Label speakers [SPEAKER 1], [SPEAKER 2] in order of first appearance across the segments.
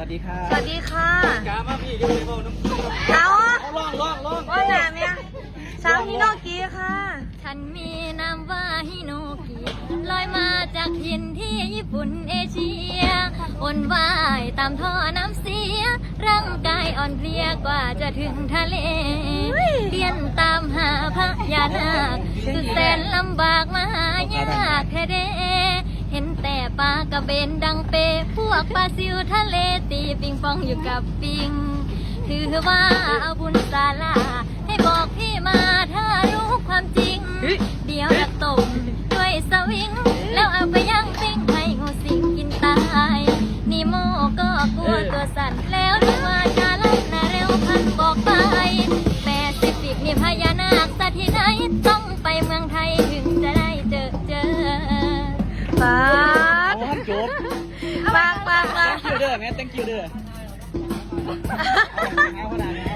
[SPEAKER 1] วัสดีค่ะ
[SPEAKER 2] สวัสดีค่ะ
[SPEAKER 1] กามาพี่ยังไม่บอกน้ำ
[SPEAKER 2] เอา
[SPEAKER 1] ล่อง
[SPEAKER 2] ว่าหนาเมียสาวฮิโนกิค่ะ
[SPEAKER 3] ฉันมีนามว่าฮิโนกิลอยมาจากถิ่นที่ญี่ปุ่นเอเชียวนว่ายตามท่อน้ำเสียร่างกายอ่อนเพลียกว่าจะถึงทะเลเรียนตามหาพระยานาคสุดแสนลำบากมหายากแท้เดเห็นแต่ปลากระเบนดังเปพวกปลาซิวทะเลตีปิงปองอยู่กับปิงถือว่าเอาบุญศาลาให้บอกพี่มาถ้ารู้ความจริงเดี๋ยวจะตบด้วยสวิงแล้วเอาไปย่างปิ้งให้งูสิงกินตายนีโมก็กลัวตัวสั่นแล้วดูว่าจะลับและเร็วพันบอกไปแปซิฟิกนี่พญานาคสัตว์ที่ไหนต้องไปเมืองไทยถึงจะได้เจอ
[SPEAKER 2] ป้า
[SPEAKER 1] โอ้จบ
[SPEAKER 2] ป้า
[SPEAKER 1] thank you เด้อแม่ thank you เด้อเอาขนาดนี้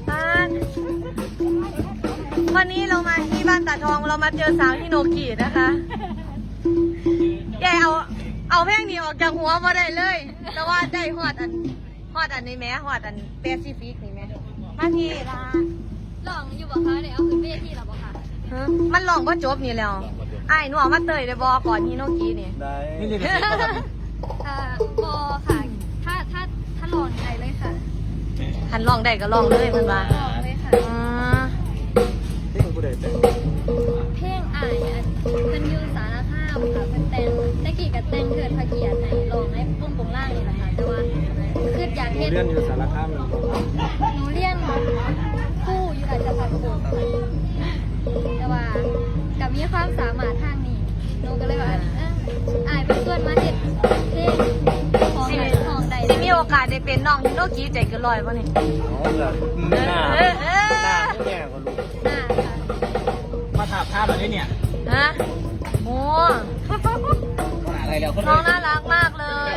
[SPEAKER 2] วันนี้เรามาที่บ้านตาทองเรามาเจอสาวฮิโนกินะคะแกเอาเพลงนี้ออกจากหัวมาได้เลยแต่ว่าได้ฮอดอันนี้แม้ฮอดอันแปซิฟิกนี่แม้มาพี่ลา
[SPEAKER 3] ลองอยู่บ่คะเดี๋ยวเอาขึ้นเวทีแล้วบ่คะ
[SPEAKER 2] มันลองก็จบนี่แล้วไอ้หนูเอามาเตยได้บอก่อนฮิโนกินี่
[SPEAKER 1] ได้นี่
[SPEAKER 3] บอค่ะถ้าลองได้เลยค่ะ
[SPEAKER 2] หันลองได้ก็ลองเลยมันว่า
[SPEAKER 3] ลองเลยค่ะ
[SPEAKER 1] เพลงผู้ใดแต่ง
[SPEAKER 3] เพลงอ่านเป็นยูสารภาพค่ะเป็นแต่งตะกี้กับแต่งเกิดพระเกียรติในลองให้ปุ้งปงล่างนี่แหละค่ะแต่ว่าคืออยากเห็น
[SPEAKER 1] เรียนอยู่สารคาม
[SPEAKER 3] หนูเรียนคู่อยู่อาจจะพักบุแต่ว่ากับมีความสามารถทางนี้หนูก็เลยว่าอายเป็นส่วนมาเห็นเพลงของใด
[SPEAKER 2] สิมีโอกาสได้เป็นน้องฮิโนกิใจเกินร้อยป่ะนี่
[SPEAKER 1] อ๋อแบบหน้าไม่แย่กว่าลูกมาถามภาพอะไรเนี่ย
[SPEAKER 2] ฮะโอ้
[SPEAKER 1] อะไรแล้ว
[SPEAKER 2] น้องน่ารักมากเลย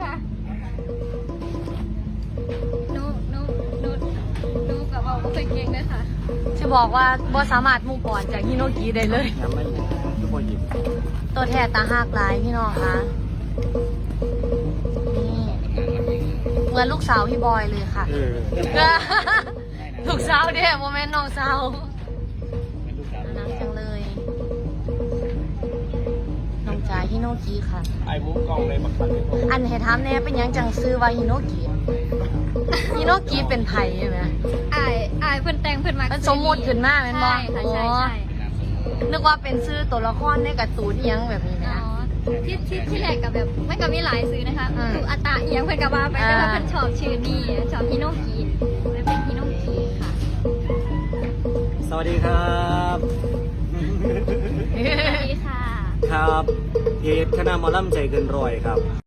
[SPEAKER 3] นูกับเราก็เคยเก่งด้วยค่ะ
[SPEAKER 2] จะบอกว่าบอสามารถมุ่งก่อนจากฮิโนกิได้เลยตัวแทนตาหักหลายพี่น้องคะนี่เหมือนลูกสาวพี่บอยเลยค่ะลูกสาวเด้โมเมนต์น้องสาวน่ารักจังเลยน้องจ๋าฮิโนกิค่ะ
[SPEAKER 1] ไอ้บุ๊กกล้องเลยบักบัน
[SPEAKER 2] อันให้ถามแน่เป็นยังจังซื้อว่าฮิโนกิฮิโนกิเป็นไผ่ใช่ไหม
[SPEAKER 3] อายเพิ่นแต่งเพิ่นมา
[SPEAKER 2] สมมติขึ้นมาเป็นบอ
[SPEAKER 3] ใช่
[SPEAKER 2] นึกว่าเป็นซื้อตัวละครในการ์ตูนยังแบบนี้นะ
[SPEAKER 3] ที่แรกกับแบบไม่ก็มีหลายซื้อนะคะคืออัตตาเอียงเพิ่นกับว่าไปแต่ว่าเพิ่นชอบชื่อนี้ชอบฮิโนกิเลยเป็นฮิโนกิค่ะ
[SPEAKER 1] สวัสดีครับ
[SPEAKER 3] สวัสดีค่ะ
[SPEAKER 1] ครับเพจคณะหมอลำใจเกินร้อยครับ